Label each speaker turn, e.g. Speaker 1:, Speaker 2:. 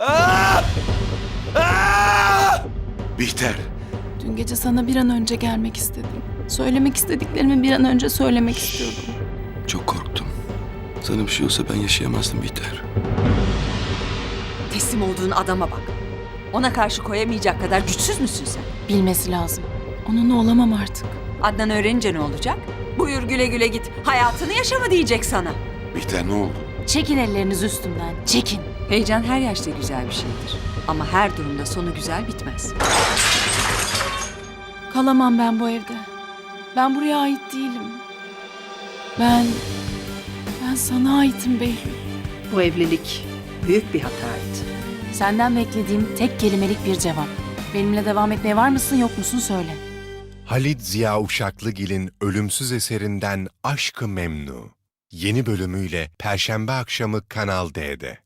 Speaker 1: Bihter.
Speaker 2: Dün gece sana bir an önce gelmek istedim. Söylemek istediklerimi bir an önce söylemek istiyordum.
Speaker 1: Çok korktum. Sana bir şey olsa ben yaşayamazdım Bihter.
Speaker 3: Teslim olduğun adama bak. Ona karşı koyamayacak kadar güçsüz müsün sen?
Speaker 2: Bilmesi lazım. Onunla olamam artık.
Speaker 3: Adnan öğrenince ne olacak? Buyur güle güle git. Hayatını yaşama diyecek sana.
Speaker 1: Bihter ne oldu?
Speaker 2: Çekin ellerinizi üstümden. Çekin.
Speaker 3: Heyecan her yaşta güzel bir şeydir. Ama her durumda sonu güzel bitmez.
Speaker 2: Kalamam ben bu evde. Ben buraya ait değilim. Ben sana aitim Behlül.
Speaker 3: Bu evlilik büyük bir hataydı.
Speaker 2: Senden beklediğim tek kelimelik bir cevap. Benimle devam etmeye var mısın yok musun söyle.
Speaker 4: Halit Ziya Uşaklıgil'in ölümsüz eserinden Aşk-ı Memnu. Yeni bölümüyle Perşembe akşamı Kanal D'de.